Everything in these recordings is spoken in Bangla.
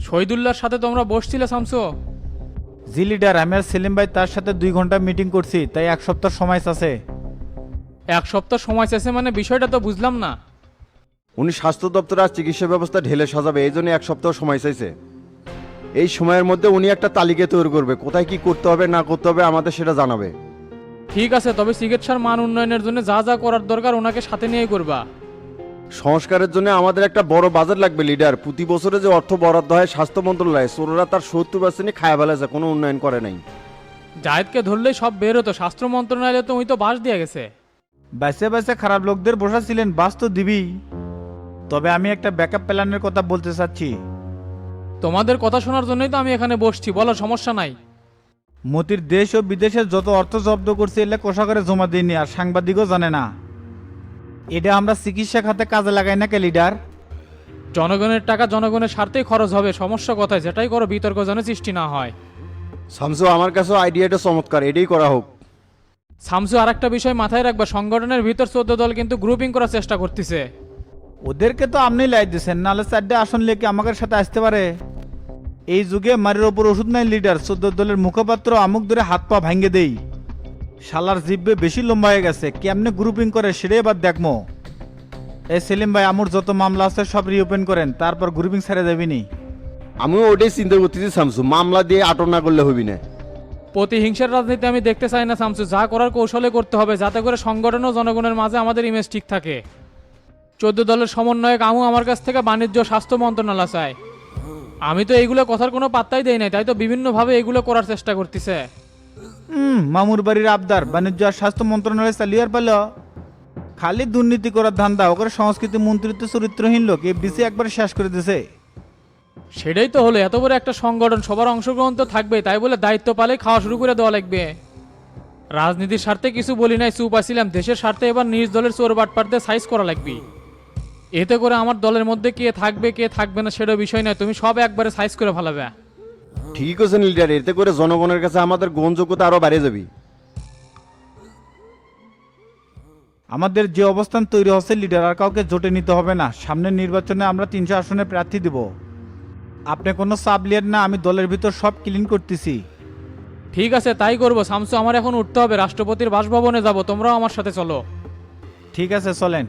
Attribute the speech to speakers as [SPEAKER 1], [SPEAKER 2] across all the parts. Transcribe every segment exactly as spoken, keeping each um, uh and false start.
[SPEAKER 1] শহীদুল্লাহর সাথে তোমরা বসছিলে শামসু?
[SPEAKER 2] জি লিডার, আমি আর সেলিম ভাই তার সাথে দুই ঘন্টা মিটিং করছি, তাই এক সপ্তাহ সময় আছে।
[SPEAKER 1] এক সপ্তাহ সময় শেষে মানে বিষয়টা তো বুঝলাম না।
[SPEAKER 3] উনি স্বাস্থ্য দপ্তরে আর চিকিৎসা ব্যবস্থা ঢেলে সাজাবে, এই জন্য এক সপ্তাহ সময় চাইছে। এই সময়ের মধ্যে উনি একটা তালিকা তৈরি করবে, কোথায় কি করতে হবে না করতে হবে আমাদের সেটা জানাবে।
[SPEAKER 1] ঠিক আছে, তবে চিকিৎসার মান উন্নয়নের জন্য যা যা করার দরকার ওনাকে সাথে নিয়ে করবা।
[SPEAKER 3] সংস্কারের জন্য আমাদের একটা বড় বাজেট লাগবে লিডার। প্রতি বছরে যে অর্থ বরাদ্দ হয় স্বাস্থ্য মন্ত্রণালয়ে, চোররা তার সত্তর পার্সেন্টই খায় ফেলেছে, কোনো উন্নয়ন করে নাই।
[SPEAKER 1] জায়েদকে ধরলেই সব বের হতো, স্বাস্থ্য মন্ত্রণালয়ে তো ওই তো বাস দিয়ে গেছে।
[SPEAKER 2] বাইসে বাইসে খারাপ লোকদের বসাছিলেন, বাস তো দিবি। তবে আমি একটা ব্যাকআপ প্ল্যানের কথা বলতে চাচ্ছি।
[SPEAKER 1] তোমাদের কথা শোনার জন্যই তো আমি এখানে বসছি, বলো সমস্যা নাই।
[SPEAKER 2] মতির দেশ ও বিদেশে যত অর্থ জব্দ করছে এলে কোষাগারে জমা দিইনি, আর সাংবাদিকও জানে না। এটা আমরা চিকিৎসা খাতে কাজে লাগাই না কে লিডার?
[SPEAKER 1] জনগণের টাকা জনগণের স্বার্থেই খরচ হবে, সমস্যা কথায় যেটাই করো বিতর্ক যেন সৃষ্টি না হয়।
[SPEAKER 3] শামসু, আমার কাছেও আইডিয়াটা চমৎকার, এটাই করা হোক।
[SPEAKER 1] শামসু, আর একটা বিষয় মাথায় রাখবা, সংগঠনের ভিতর চোদ্দ দল কিন্তু গ্রুপিং করার চেষ্টা করতেছে।
[SPEAKER 2] ওদেরকে তো আপনি লাই দিচ্ছেন, নাহলে চারটে আসন লেকে আমাদের সাথে আসতে পারে। এই যুগে মারির ওপর ওষুধ নাই লিডার, চোদ্দ দলের মুখপাত্র আমুক ধরে হাত পা ভাঙ্গে দেই। শালার জিব্বে বেশি লম্বা হয়ে গেছে, কেমনে গ্রুপিং করে সেটাই এবার দেখমো। এই সেলিম ভাই, আমুর যত মামলা আছে সব রিওপেন করেন, তারপর গ্রুপিং ছেড়ে দেবিনি।
[SPEAKER 3] আমিও ওটাই চিন্তা করতেছি শামসু, মামলা দিয়ে আটক না করলে হবি না।
[SPEAKER 1] প্রতিহিংসার রাজনীতি আমি দেখতে চাই না শামসু, যা করার কৌশলে করতে হবে, যাতে করে সংগঠন ও জনগণের মাঝে আমাদের ইমেজ ঠিক থাকে। চোদ্দ দলের সমন্বয়ক আমু আমার কাছ থেকে বাণিজ্য স্বাস্থ্য মন্ত্রণালয় চায়। আমি তো এইগুলো কথার কোনো পাত্তাই দেই নাই, তাই তো বিভিন্নভাবে এগুলো করার চেষ্টা করতেছে।
[SPEAKER 2] হুম, মামুর বাড়ির আবদার বাণিজ্য আর স্বাস্থ্য মন্ত্রণালয় চালিয়ে আর পেল। খালি দুর্নীতি করার ধান্দা, ওকে সংস্কৃতি মন্ত্রিত্ব চরিত্রহীন লোক এফডিসি একবার শেষ করে দিছে।
[SPEAKER 1] সেটাই তো হলো, এত বড় একটা সংগঠন, সবার অংশগ্রহণ তো থাকবে, তাই বলে দায়িত্ব পালে খাওয়া শুরু করে দেওয়া লাগবে। রাজনীতির স্বার্থে কিছু বলি নাই, চুপ আসছিলাম, দেশের স্বার্থে এবার নিজ দলের চোর বাটপাটদের সাইজ করা লাগবে। এতে করে আমার দলের মধ্যে কে থাকবে কে থাকবে না সেটা বিষয় নয়, তুমি সব একবারে সাইজ করে ফেলাবে।
[SPEAKER 3] ঠিক আছে লিডার, এতে করে জনগণের কাছে আমাদের গ্রহণযোগ্যতা আরো বাড়িয়ে যাবে।
[SPEAKER 2] আমাদের যে অবস্থান তৈরি হচ্ছে লিডার, আর কাউকে জোটে নিতে হবে না। সামনের নির্বাচনে আমরা তিনশো আসনে প্রার্থী দিব। আপনি কোনো চাপ লিয়েন না, আমি দলের ভিতর সব ক্লিন করতেছি।
[SPEAKER 1] ঠিক আছে, তাই করবো শামসু, আমার এখন উঠতে হবে, রাষ্ট্রপতির বাসভবনে যাব, তোমরাও আমার সাথে চলো।
[SPEAKER 2] ঠিক আছে, চলেন।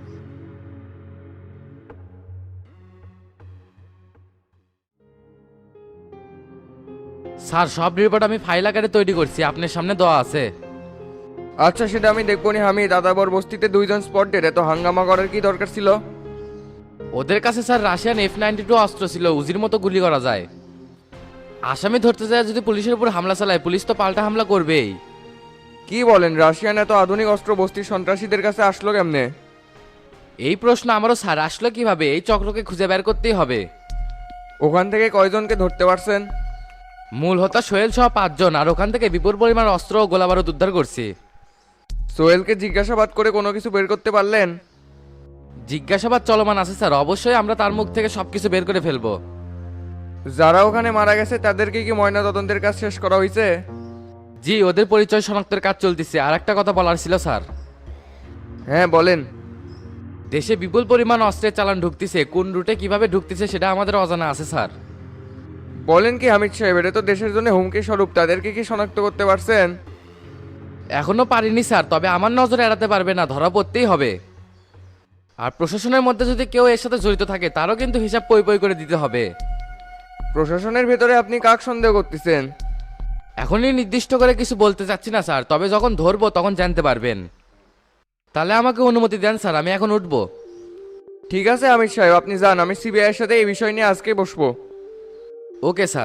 [SPEAKER 4] স্যার, সব রিপোর্ট আমি ফাইল আকারে তৈরি করছি, আপনার সামনে দেওয়া আছে।
[SPEAKER 5] আচ্ছা, সেটা আমি দেখবো নি। আমি দাদাবর বস্তিতে দুইজন স্পট ডেট, এত হাঙ্গামা করার কি দরকার ছিল?
[SPEAKER 4] ওদের কাছে sir Russian F ninety two অস্ত্র ছিল, উজির মতো গুলি করা যায়। আসামি ধরতে যায় যদি পুলিশের উপর হামলা চালায়, পুলিশ তো পাল্টা হামলা করবেই।
[SPEAKER 5] কি বলেন, রাশিয়ান এত আধুনিক অস্ত্র বস্তির সন্ত্রাসীদের কাছে আসলো কেমনে?
[SPEAKER 4] এই প্রশ্ন আমারও স্যার, আসলো কিভাবে? এই চক্রকে খুঁজে বের করতেই হবে।
[SPEAKER 5] ওখান থেকে কয়জনকে ধরতে পারছেন?
[SPEAKER 4] মূল হতা সোহেল সহ পাঁচজন, আর ওখান থেকে বিপুল পরিমাণ অস্ত্র ও গোলাবারুদ উদ্ধার করছি।
[SPEAKER 5] সোহেলকে জিজ্ঞাসাবাদ করে কোনো কিছু বের করতে পারলেন?
[SPEAKER 4] জিজ্ঞাসাবাদ চলমান আছে স্যার, অবশ্যই আমরা তার মুখ থেকে সবকিছু বের করে ফেলবো।
[SPEAKER 5] যারা ওখানে মারা গেছে তাদেরকে কি ময়না তদন্তের কাজ শেষ করা হয়েছে?
[SPEAKER 4] জি, ওদের পরিচয় শনাক্তের কাজ চলতেছে। আর একটা কথা বলার ছিল স্যার।
[SPEAKER 5] হ্যাঁ বলেন।
[SPEAKER 4] দেশে বিপুল পরিমাণ অস্ত্রের চালান ঢুকতেছে, কোন রুটে কিভাবে ঢুকতেছে সেটা আমাদের অজানা আছে স্যার।
[SPEAKER 5] বলেন কি হামিদ সাহেব, এটা তো দেশের জন্য হুমকি স্বরূপ, তাদেরকে কি শনাক্ত করতে পারছেন?
[SPEAKER 4] এখনো পারিনি স্যার, তবে আমার নজরে এড়াতে পারবে না, ধরা পড়তেই হবে। আর প্রশাসনের মধ্যে যদি কেউ এর সাথে জড়িত থাকে তারও কিন্তু হিসাব পই পই করে দিতে হবে।
[SPEAKER 5] প্রশাসনের ভেতরে আপনি কাক সন্দেহ করতেছেন?
[SPEAKER 4] এখনই নির্দিষ্ট করে কিছু বলতে চাচ্ছি না স্যার, তবে যখন ধরবো তখন জানতে পারবেন। তাহলে আমাকে অনুমতি দেন স্যার, আমি এখন উঠবো।
[SPEAKER 5] ঠিক আছে হামিদ সাহেব, আপনি যান, আমি সিবিআইয়ের সাথে এই বিষয় নিয়ে আজকে বসবো।
[SPEAKER 4] Okay sir.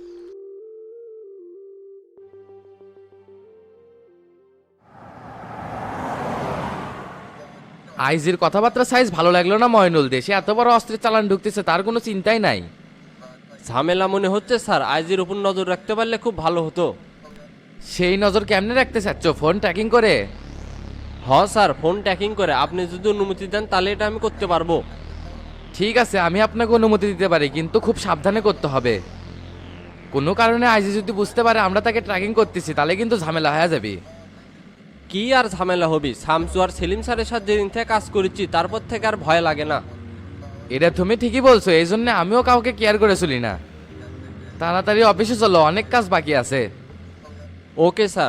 [SPEAKER 4] আইজির কথাবার্তা সাইজ ভালো লাগলো না ময়নুল, দেশে এত বড় অস্ত্রের চালান ঢুকতেছে তার কোনো চিন্তাই নাই।
[SPEAKER 6] ঝামেলা মনে হচ্ছে স্যার, আইজির উপর নজর রাখতে পারলে খুব ভালো হতো।
[SPEAKER 4] সেই নজর কেমনে রাখতে চাচ্ছ, ফোন ট্র্যাকিং করে?
[SPEAKER 6] হ স্যার, ফোন ট্র্যাকিং করে। আপনি যদি অনুমতি দেন তাহলে এটা আমি করতে পারবো।
[SPEAKER 4] ঠিক আছে, আমি আপনাকে অনুমতি দিতে পারি, কিন্তু খুব সাবধানে করতে হবে। কোনো কারণে আইজি যদি বুঝতে পারে আমরা তাকে ট্র্যাকিং করতেছি তাহলে কিন্তু ঝামেলা হয়ে যাবে।
[SPEAKER 6] কি আর ঝামেলা হবি, শামসু আর সেলিম স্যারের সাথে যেদিন থেকে কাজ করেছি তারপর থেকে আর ভয় লাগে না।
[SPEAKER 4] এটা তুমি ঠিকই বলছো, এই জন্য আমিও কাউকে কেয়ার করে চলি না। তাড়াতাড়ি অফিসে চলো, অনেক কাজ বাকি আছে।
[SPEAKER 6] Okay sir.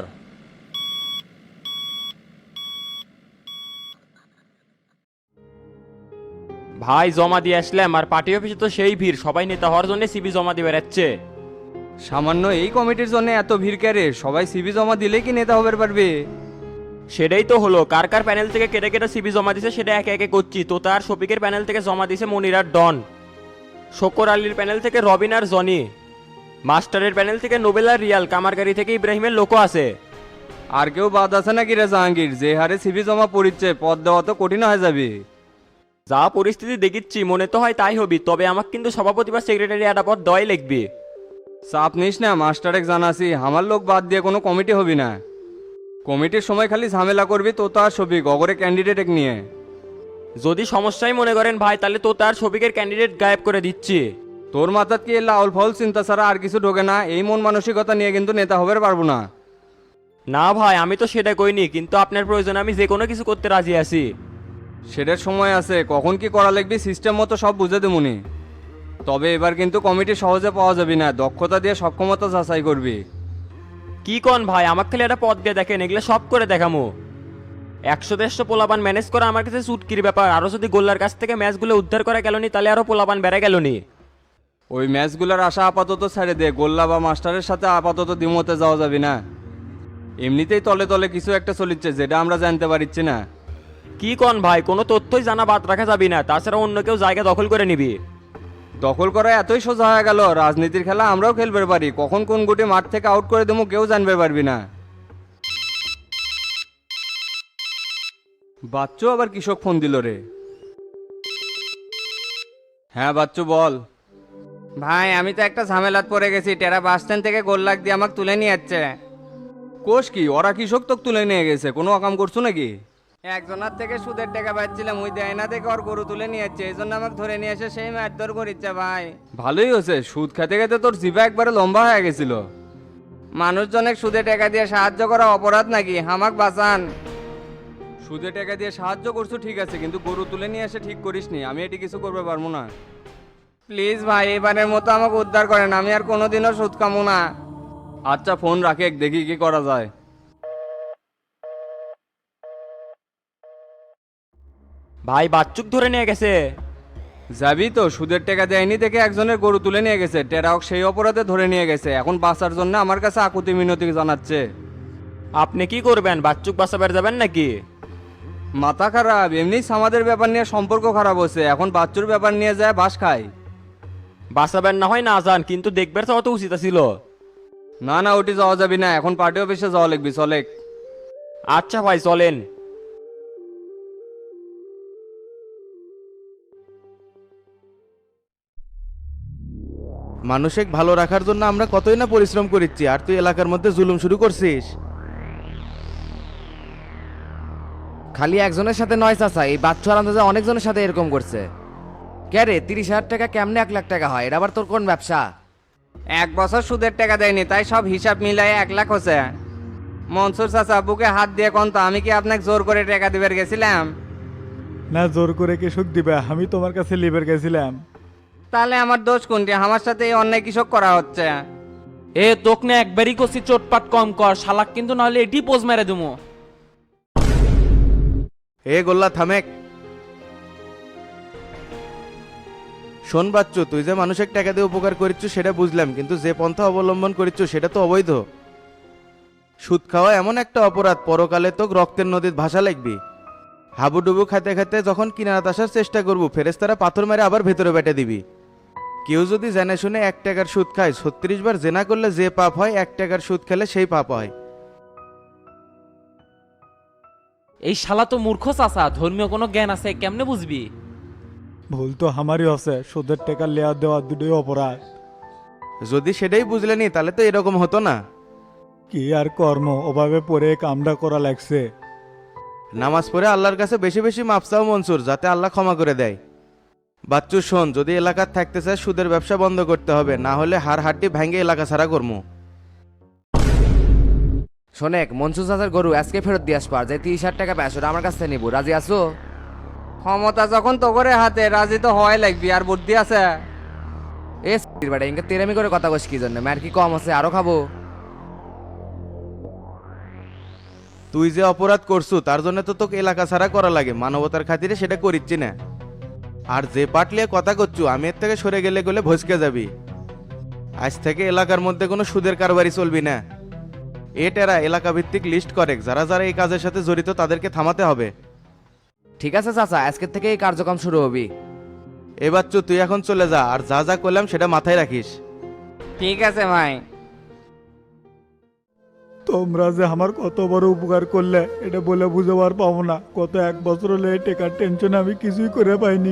[SPEAKER 6] ভাই জমা দিয়ে আসলাম, আর পার্টি অফিসে তো সেই ভিড়, সবাই নেতা হওয়ার জন্য সিবি জমা দিয়ে বেড়াচ্ছে।
[SPEAKER 5] সামান্য এই কমিটির জন্য এত ভিড় ক্যারে? সবাই সিভি জমা দিলে কি নেতা হবার পারবে?
[SPEAKER 6] সেটাই তো হলো, কার কার প্যানেল থেকে কেটে কেটে সিবি জমা দিছে সেটা একে একে করছি। তো তার শফিকের প্যানেল থেকে জমা দিছে মনির আর ডন, শক্কর আলীর প্যানেল থেকে রবিন আর জনি, মাস্টারের প্যানেল থেকে নোবেল আর রিয়াল, কামারগাড়ি থেকে ইব্রাহিমের লোকও আছে।
[SPEAKER 5] আর কেউ বাদ আছে নাকি রে জাহাঙ্গীর? যে হারে সিভি জমা পড়িচ্ছে, পদ দেওয়া তো কঠিন হয়ে যাবে।
[SPEAKER 6] যা পরিস্থিতি দেখিচ্ছি মনে তো হয় তাই হবি, তবে আমাকে কিন্তু সভাপতি বা সেক্রেটারি একটা পদ দেওয়াই লিখবি।
[SPEAKER 5] চাপ নিস না, মাস্টারেক জানাসি, আমার লোক বাদ দিয়ে কোনো কমিটি হবি না। কমিটির সময় খালি ঝামেলা করবি তো তার ছবি গগরে ক্যান্ডিডেট নিয়ে।
[SPEAKER 6] যদি সমস্যাই মনে করেন ভাই, তাহলে তো তার শফিকের ক্যান্ডিডেট গায়েব করে দিচ্ছি।
[SPEAKER 5] তোর মাথাত কি লাউল ফাউল চিন্তা ছাড়া আর কিছু ঢোকে না? এই মন মানসিকতা নিয়ে কিন্তু নেতা হবার পারবো না।
[SPEAKER 6] না ভাই, আমি তো সেটা কইনি, কিন্তু আপনার প্রয়োজন আমি যে কোনো কিছু করতে রাজি আছি।
[SPEAKER 5] সেটার সময় আছে, কখন কি করা লাগবে সিস্টেম মতো সব বুঝে দেবুনি। তবে এবার কিন্তু কমিটি সহজে পাওয়া যাবে না, দক্ষতা দিয়ে সক্ষমতা যাচাই করবি।
[SPEAKER 6] কি কন ভাই, আমার খালি একটা পদ দিয়ে দেখেন, এগুলো সব করে দেখামো। একশো দেড়শো পোলাপান ম্যানেজ করা আমার কাছে চুটকির ব্যাপার। আরো যদি গোল্লার কাছ থেকে ম্যাচগুলো উদ্ধার করা গেলনি, তাহলে আরো পোলাপান বেড়ে গেলনি।
[SPEAKER 5] ওই ম্যাচগুলোর আশা আপাতত ছেড়ে দে, গোল্লা বা মাস্টারের সাথে আপাতত দ্বিমতে যাওয়া যাবে না। এমনিতেই তলে তলে কিছু একটা চলিচ্ছে যেটা আমরা জানতে পারছি না।
[SPEAKER 6] কি কন ভাই, কোনো তথ্যই জানা বাদ রাখা যাবে না, তাছাড়া অন্য কেউ জায়গা দখল করে নিবি।
[SPEAKER 5] দখল করা এতই সোজা হয়ে গেল? রাজনীতির খেলা আমরাও খেলবে পারি, কখন কোন গুটি মাঠ থেকে আউট করে দেবো কেউ জানবে পারবি না। বাচ্চু আবার কৃষক ফোন দিল রে। হ্যাঁ বাচ্চু বল। ভাই আমি তো একটা ঝামেলাত পড়ে গেছি, টেরা বাস স্ট্যান্ড থেকে গোল্লাক দিয়ে আমাকে তুলে নিয়ে যাচ্ছে। কোষ কি ওরা কৃষক তোকে তুলে নিয়ে গেছে? কোনো অকাম করছো নাকি? একজনের থেকে সুদের টাকা পাচ্ছিলাম, ওই দেয় না দেখে ওর গরু তুলে নিয়ে যাচ্ছে, এই জন্য আমাকে ধরে নিয়ে এসে সেই মারধর করিচ্ছে। ভাই ভালোই হয়েছে, সুদ খেতে খেতে তোর জিভা একবারে লম্বা হয়ে গেছিল। মানুষজনের সুদে টাকা দিয়ে সাহায্য করা অপরাধ নাকি? হামাক বাঁচান। সুদে টাকা দিয়ে সাহায্য করছো ঠিক আছে, কিন্তু গরু তুলে নিয়ে এসে ঠিক করিসনি, আমি এটি কিছু করতে পারবো না। প্লিজ ভাই এবারের মতো আমাকে উদ্ধার করেন, আমি আর কোনোদিনও সুদ কামো না। আচ্ছা ফোন রাখে, দেখি কি করা যায়।
[SPEAKER 6] ভাই বাচ্চুক ধরে নিয়ে গেছে।
[SPEAKER 5] যাবি তো? সুদের টাকা দেয়নি দেখে একজনের গরু তুলে নিয়ে গেছে, টেরাওক সেই অপরাধে ধরে নিয়ে গেছে, এখন বাঁচার জন্য আমার কাছে আকুতি মিনতি জানাচ্ছে।
[SPEAKER 6] আপনি কি করবেন, বাচ্চুক বাঁচাবার যাবেন নাকি?
[SPEAKER 5] মাথা খারাপ, এমনি আমাদের ব্যাপার নিয়ে সম্পর্ক খারাপ হচ্ছে, এখন বাচ্চুর ব্যাপার নিয়ে যায় বাস খায়।
[SPEAKER 6] বাঁচাবেন না হয় না যান, কিন্তু দেখবার চাওয়া তো উচিত ছিল।
[SPEAKER 5] না না ওটি যাওয়া যাবি না, এখন পার্টি অফিসে যাওয়া লাগবি, চলে।
[SPEAKER 6] আচ্ছা ভাই চলেন।
[SPEAKER 7] মানুষকে ভালো রাখার জন্য আমরা কতই না পরিশ্রম করিচ্ছি, আর তুই এলাকার মধ্যে জুলুম শুরু করছিস।
[SPEAKER 8] খালি একজনের সাথে নয় চাচা, এই বাচ্চু আর আন্দাজে অনেকজনের সাথে এরকম করছে। কে রে, তিরিশ হাজার টাকা কেমনে এক লাখ টাকা হয়? এটা আবার তোর কোন ব্যবসা?
[SPEAKER 5] এক বছর সুদের টাকা দেয়নি, তাই সব হিসাব মিলাই এক লাখ হচ্ছে। মনসুর চাচা বুকে হাত দিয়ে কোন তো, আমি কি আপনাকে জোর করে টাকা দিবার গেছিলাম?
[SPEAKER 2] না জোর করে কি সুখ দিবে, আমি তোমার কাছে লিবের গেছিলাম।
[SPEAKER 5] তাহলে আমার দোষ কোনটি? আমার সাথে এই অন্যায় কৃষক করা হচ্ছে।
[SPEAKER 1] এ তোক না একবারই করছি, চোটপাট কম কর শালাক, কিন্তু নাহলে এটি পোজ মেরে দেবো।
[SPEAKER 7] এ গোল্লা থামেক। শোন বাচ্চু, তুই যে মানুষের টাকা দিয়ে উপকার করিচ্ছ সেটা বুঝলাম, কিন্তু যে পন্থা অবলম্বন করিচ্ছ সেটা তো অবৈধ। সুদ খাওয়া এমন একটা অপরাধ, পরকালে তো রক্তের নদীর ভাষা লাগবি। হাবুডুবু খাইতে খাইতে যখন কিনারাত আসার চেষ্টা করবো, ফেরেস্তারা পাথর মেরে আবার ভেতরে বেটে দিবি। কেউ যদি জেনে শুনে এক টাকার সুদ খায়, ছত্রিশ বার জেনা করলে যে পাপ হয়, এক টাকার সুদ খেলে সেই পাপ হয়।
[SPEAKER 1] এই শালা তো মূর্খ চাচা, ধর্মীয় কোনো জ্ঞান আছে কেমনে বুঝবি?
[SPEAKER 2] ভুল তো আমারই আছে, সুদের টাকা লেয়া দেওয়া দুটোই অপরাধ।
[SPEAKER 7] যদি সেটাই বুঝলেনি তাহলে তো এরকম হতো না।
[SPEAKER 2] কি আর কর্ম, অভাবে পড়ে কামটা করা লাগছে।
[SPEAKER 7] নামাজ পড়ে আল্লাহর কাছে বেশি বেশি মাপ চাও মনসুর, যাতে আল্লাহ ক্ষমা করে দেয়। বাচ্চু শোন, যদি এলাকার থাকতে চায় সুদের ব্যবসা বন্ধ করতে হবে, না হলে হাড় হাড্ডি ভেঙে এলাকা ছাড়া করবো।
[SPEAKER 8] শোনেক, মনসুর চাচার গরু আজকে ফেরত দিয়ে আসবার, যে তিরিশ হাজার টাকা পায় সেটা আমার কাছ থেকে নিবো, রাজি আছো?
[SPEAKER 5] ক্ষমতা যখন তো করে হাতে রাজি তো হয় লাগবি আর বুদ্ধি আছে।
[SPEAKER 8] এ বেটা ইনকে তেরামি করে কথা কস কি জন্য ম্যার কি কম আছে আরো খাবো।
[SPEAKER 7] তুই যে অপরাধ করছু তার জন্য তো তোকে এলাকা ছাড়া করা লাগে, মানবতার খাতিরে সেটা করিচ্ছি না। আর যে পাটলিয়ে কথা করছু আমি এর থেকে সরে গেলে গেলে ভসকে যাবি। আজ থেকে এলাকার মধ্যে কোনো সুদের কারবারি চলবি না। এটেরা এলাকা ভিত্তিক লিস্ট করে, যারা যারা এই কাজের সাথে জড়িত তাদেরকে থামাতে হবে।
[SPEAKER 8] ঠিক আছে চাচা, আজকের থেকে এই কার্যক্রম শুরু হবি।
[SPEAKER 7] এবার চু তুই এখন চলে যা, আর যা যা করলাম সেটা মাথায় রাখিস।
[SPEAKER 5] ঠিক আছে ভাই।
[SPEAKER 2] তোমরা যে আমার কত বড় উপকার করলে এটা বলে বুঝাবার পাবো না। গত এক বছর হলে এই টেকার টেনশনে আমি কিছুই করে পাইনি।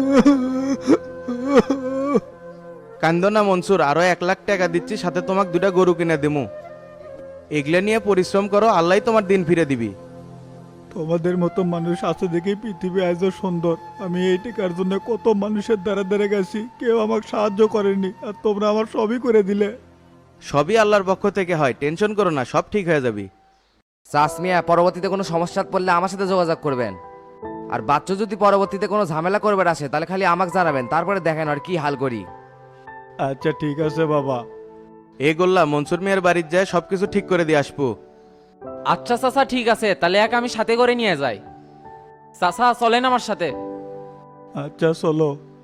[SPEAKER 7] কান্দ না মনসুর, আরো এক লাখ টাকা দিচ্ছি, সাথে তোমাকে দুটা গরু কিনে দেবো। এগুলা নিয়ে পরিশ্রম করো, আল্লাহ তোমার দিন ফিরে দিবি।
[SPEAKER 2] তোমাদের মতো মানুষ আছে দেখেই পৃথিবী আজও সুন্দর। আমি এই টেকার জন্য কত মানুষের দ্বারা দ্বারা গেছি, কেউ আমাকে সাহায্য করেনি, আর তোমরা আমার সবই করে দিলে।
[SPEAKER 7] সবই আল্লাহর পক্ষ থেকে হয়, টেনশন করো না, সব ঠিক হয়ে যাবি।
[SPEAKER 8] চাষ মিয়া পরবর্তীতে কোনো সমস্যা পড়লে আমার সাথে যোগাযোগ করবেন। আর বাচ্চা যদি পরবর্তীতে কোনো ঝামেলা করবে আসে তাহলে খালি আমাকে জানাবেন, তারপরে দেখেন আর কি হাল করি।
[SPEAKER 2] আচ্ছা ঠিক আছে বাবা।
[SPEAKER 7] এ গোল্লা মনসুর মিয়ার বাড়ির যায় সবকিছু ঠিক করে দিয়ে আসবো।
[SPEAKER 9] আচ্ছা চাচা ঠিক আছে, তাহলে এক আমি সাথে করে নিয়ে যাই। চাচা চলেন আমার সাথে।
[SPEAKER 2] আচ্ছা চলো।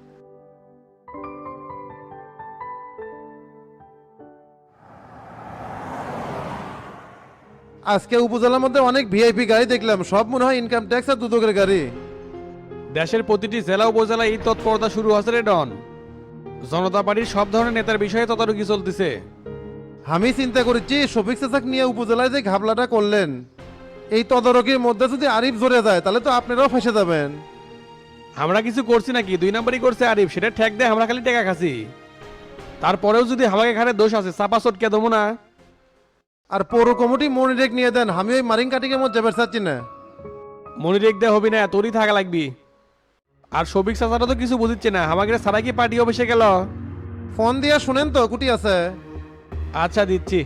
[SPEAKER 10] আজকে উপজেলার মধ্যে অনেক ভিআইপি গাড়ি দেখলাম, সব মনে হয় ইনকাম ট্যাক্স আর দুদকের গাড়ি।
[SPEAKER 11] দেশের প্রতিটি জেলা উপজেলায় এই তৎপরতা শুরু হচ্ছে রে ডন। জনতা পার্টির সব ধরনের নেতার বিষয়ে তদারকি চলতেছে।
[SPEAKER 10] আমি চিন্তা করেছি শফিক চাচাক নিয়ে উপজেলায় যে ঘাবলাটা করলেন, এই তদারকির মধ্যে যদি আরিফ জড়ে যায় তাহলে তো আপনারাও ফেসে যাবেন।
[SPEAKER 11] আমরা কিছু করছি নাকি? দুই নাম্বারই করছে আরিফ, সেটা ঠেক দেয়, আমরা খালি টেকা খাচ্ছি। তারপরেও যদি হামাকে ঘাড়ে দোষ আছে, চাপা চটকে দেবো না।
[SPEAKER 10] আর পৌর কমিটি মনিরেক নিয়ে দেন, আমি ওই মারিং কাটিং এর মধ্যে বেরসাচ্ছি না।
[SPEAKER 11] মনিরেক দে হবি না, তোরই থাকা লাগবি। আর সবিক চাচারা তো কিছু বুঝিচ্ছে না, আমাকে সারা কি পার্টি অফিসে গেল?
[SPEAKER 10] ফোন দিয়া শুনেন তো কুটি আছে।
[SPEAKER 11] আচ্ছা দিচ্ছি।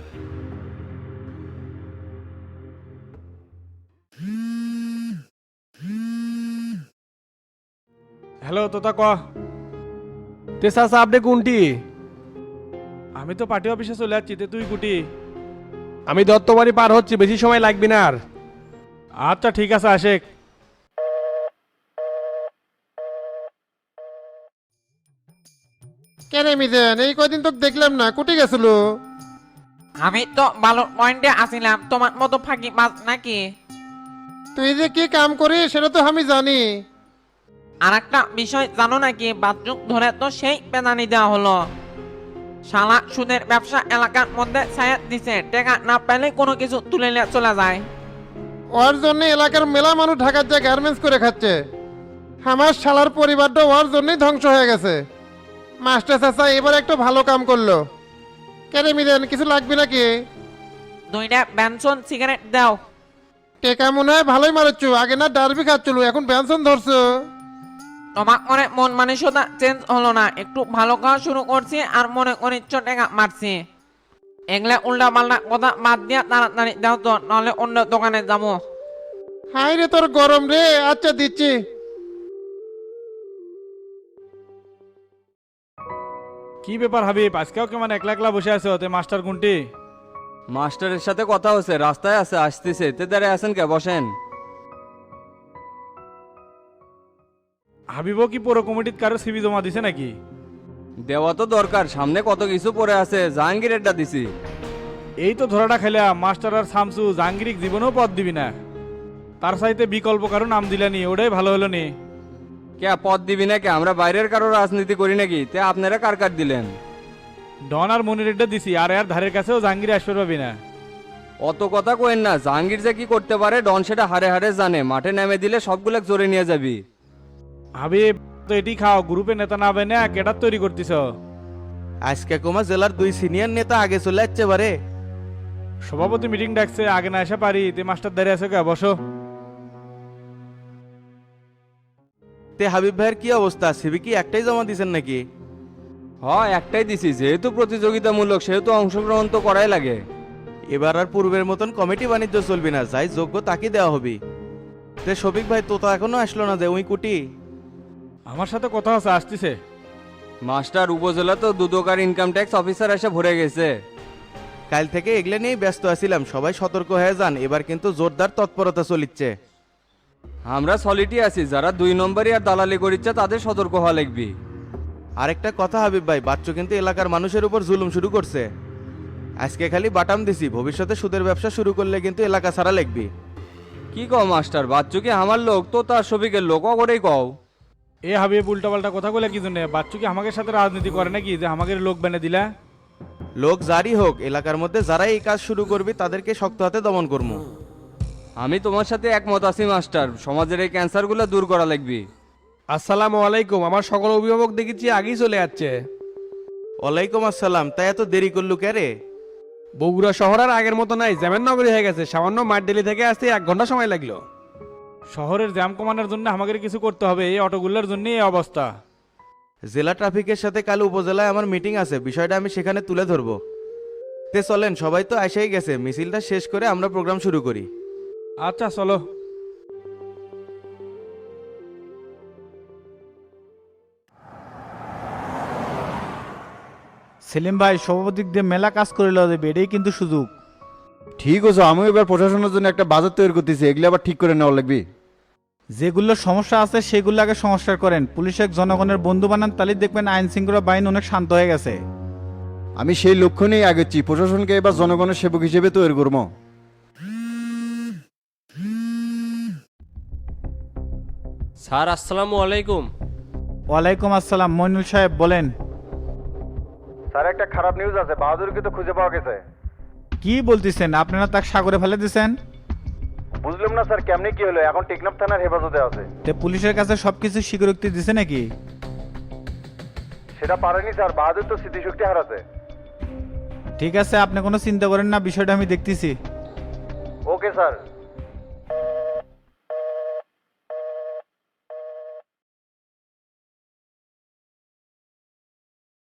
[SPEAKER 11] হ্যালো তোতা ক তে চাচা আপনি কোনটি?
[SPEAKER 1] আমি তো পার্টি অফিসে চলে যাচ্ছি, তে তুই কুটি?
[SPEAKER 11] আমি দত্তবাড়ি পার হচ্ছি, বেশি সময় লাগবে না আর।
[SPEAKER 1] আচ্ছা ঠিক আছে আশেক।
[SPEAKER 10] কেন মিজেন এই কয়দিন তো দেখলাম না, কুটি গেছিল?
[SPEAKER 9] আমি তো ভালো পয়েন্টে আসিলাম, তোমার মতো ফাঁকি মাছ নাকি?
[SPEAKER 10] তুই যে কি কাম করিস সেটা তো আমি জানি।
[SPEAKER 9] আর একটা বিষয় জানো নাকি? বাথরুম ধরে তো সেই পেনানি দেওয়া হলো। শালা সুদের ব্যবসা এলাকার মধ্যে ছায়া দিছে, টাকা না পেলে কোনো কিছু তুলে নিয়ে চলে যায়।
[SPEAKER 10] ওর জন্য এলাকার মেলা মানুষ ঢাকার যে গার্মেন্টস করে খাচ্ছে। আমার শালার পরিবারটা ওর জন্যই ধ্বংস হয়ে গেছে। মাস্টার চাচা এবার একটু ভালো কাম করলো। কেন মিলেন কিছু লাগবে নাকি?
[SPEAKER 9] দুইটা ব্যানসন সিগারেট দাও।
[SPEAKER 10] টেকা মনে হয় ভালোই মারছ, আগে না ডারবি খাচ্ছিল, এখন ব্যানসন ধরছো।
[SPEAKER 9] তোমার মনে মন মানসিকতা চেঞ্জ হলো না? একটু ভালো খাওয়া শুরু করছি আর মনে অনিচ্ছ টাকা মারছি। এগুলা উল্টা পাল্টা কথা বাদ দিয়া তাড়াতাড়ি দাও তো, নাহলে অন্য দোকানে যাবো।
[SPEAKER 10] হাই রে তোর গরম রে। আচ্ছা দিচ্ছি।
[SPEAKER 1] কি ব্যাপার হাবিব, আজকেও কেমন একলা একলা বসে আছো? তে মাস্টার কোনটি?
[SPEAKER 5] মাস্টারের সাথে কথা হচ্ছে, রাস্তায় আছে, আসতেছে। তে দাঁড়ায় আছেন কে? বসেন।
[SPEAKER 1] হাবিবও কি পুরো কমিটির কারো সিবি জমা দিছে নাকি?
[SPEAKER 5] দেওয়া তো দরকার, সামনে কত কিছু পড়ে আছে। জাহাঙ্গীরেরটা দিছি।
[SPEAKER 1] এই তো ধরাটা খেলাম, মাস্টার আর শামসু জাহাঙ্গীরিক জীবনেও পদ দিবি না, তার সাইতে বিকল্প কারো নাম দিলানি, ওটাই ভালো হলো নি।
[SPEAKER 5] কে পদ দিবি না কে? আমরা বাইরের কারো রাজনীতি করি নাকি? তে আপনারা কার কার দিলেন?
[SPEAKER 1] ডন আর মনিরেডটা দিছি, আর এর ধারের কাছেও জাহাঙ্গীর আসতে পারবি না।
[SPEAKER 5] অত কথা কোয়েন না, জাহাঙ্গীর যে কি করতে পারে ডন সেটা হারে হারে জানে। মাঠে নেমে দিলে সবগুলো জোরে নিয়ে যাবি।
[SPEAKER 1] হাবিব তো এটি খাও, গ্রুপে নেতা না হবে না, কেটার তৈরি করতিস?
[SPEAKER 7] আজকে কুমা জেলার দুই সিনিয়র নেতা আগে চলে যাচ্ছে বারে।
[SPEAKER 1] সভাপতি মিটিং ডাকছে, আগে না এসে পারি। তে মাস্টার দাঁড়িয়ে আছে কে? বসো।
[SPEAKER 7] তে হাবিব ভাইয়ের কি অবস্থা? সিবি কি একটাই জমা দিছেন নাকি?
[SPEAKER 5] হয় একটাই দিছি, যেহেতু প্রতিযোগিতামূলক সেহেতু অংশগ্রহণ তো করাই লাগে।
[SPEAKER 7] এবার আর পূর্বের মতন কমিটি বাণিজ্য চলবি না, যাই যোগ্য তাকে দেওয়া হবে। তে শফিক ভাই তো তো এখনো আসলো না যে ওই কুটি।
[SPEAKER 2] আমার সাথে কথা আছে, আসতেছে।
[SPEAKER 5] মাস্টার উপজেলা তো দুদকার ইনকাম ট্যাক্স অফিসার এসে ভরে গেছে।
[SPEAKER 7] কাল থেকে এগুলো নিয়েই ব্যস্ত আছিলাম, সবাই সতর্ক হয়ে যান, এবার কিন্তু জোরদার তৎপরতা চলিচ্ছে।
[SPEAKER 5] আমরা সলিটি আছি, যারা দুই নম্বরই আর দালালি করিচ্ছে তাদের সতর্ক হওয়া লাগবে।
[SPEAKER 7] আরেকটা কথা হাবিব ভাই, বাচ্চু কিন্তু এলাকার মানুষের উপর জুলুম শুরু করছে। আজকে খালি বাটাম দিছি, ভবিষ্যতে সুদের ব্যবসা শুরু করলে কিন্তু এলাকা ছাড়া লাগবে।
[SPEAKER 5] কি কও মাস্টার, বাচ্চু কি আমার লোক তো তার শফিকের লোক অগরেই কও।
[SPEAKER 2] এ হাবিব উল্টাপাল্টা কথা বলে কি জন্য? বাচ্চু কি আমাদের সাথে রাজনীতি করে নাকি যে আমাদের লোক বেনে দিলা?
[SPEAKER 7] লোক জারি হোক, এলাকার মধ্যে যারা এই কাজ শুরু করবি তাদেরকে শক্ত হাতে দমন করবো।
[SPEAKER 5] আমি তোমার সাথে একমত আছি মাস্টার, সমাজের এই ক্যান্সারগুলো দূর করা লাগবে।
[SPEAKER 11] আসসালামু আলাইকুম। আমার সকল অভিভাবক দেখেছি আগেই চলে যাচ্ছে।
[SPEAKER 7] ওয়ালাইকুম আসসালাম। তাই এত দেরি করলু কে রে?
[SPEAKER 11] বগুড়া শহর আর আগের মতো নাই, যেমন নগরী হয়ে গেছে। সামান্য মাঠডেলি থেকে আসতে এক ঘন্টা সময় লাগলো।
[SPEAKER 2] শহরের জ্যাম কমানোর জন্য আমাদের কিছু করতে হবে, এই অটোগুলোর জন্য এই অবস্থা।
[SPEAKER 7] জেলা ট্রাফিকের সাথে কাল উপজেলায় আমার মিটিং আছে, বিষয়টা আমি সেখানে তুলে ধরবো। তে চলেন, সবাই তো এসেই গেছে, মিছিলটা শেষ করে আমরা প্রোগ্রাম শুরু করি।
[SPEAKER 2] আচ্ছা চলো। সেলিম ভাই, সভাপতি দিয়ে মেলা কাজ করে লওয়া যাবে, এটাই কিন্তু সুযোগ।
[SPEAKER 3] ঠিক আছে, আমিও এবার প্রশাসনের জন্য একটা বাজেট তৈরি করতেছি, এগুলো আবার ঠিক করে নেওয়া লাগবে।
[SPEAKER 2] যেগুলো সমস্যা আছে সেগুলো আগে সংস্কার করেন, পুলিশের জনগণের বন্ধু বানান, তাহলে দেখবেন আইন শৃঙ্খলা বাহিনী অনেক শান্ত হয়ে গেছে।
[SPEAKER 3] আমি সেই লক্ষ্য নিয়েই আগেছি, প্রশাসনকে এবার জনগণের সেবক হিসেবে তৈরি করবো।
[SPEAKER 12] স্যার আসসালামু আলাইকুম।
[SPEAKER 2] ওয়ালাইকুম আসসালাম। মইনুল সাহেব বলেন।
[SPEAKER 3] স্যার, একটা খারাপ নিউজ আছে, বাহাদুরকে তো খুঁজে পাওয়া গেছে।
[SPEAKER 2] কি বলতেছেন? আপনারা তাকে সাগরে ফেলে দিয়েছেন?
[SPEAKER 3] বুঝলাম না স্যার, কেমনি কি হলো? এখন টেকনাফ থানার হেফাজতে আছে।
[SPEAKER 2] তে পুলিশের কাছে সবকিছু স্বীকারোক্তি দিছে নাকি?
[SPEAKER 3] সেটা পারেনি স্যার, বাহাদুর তো স্মৃতিশক্তি হারাছে।
[SPEAKER 2] ঠিক আছে, আপনি কোনো চিন্তা করেন না, বিষয়টা আমি দেখতেছি।
[SPEAKER 3] Okay sir.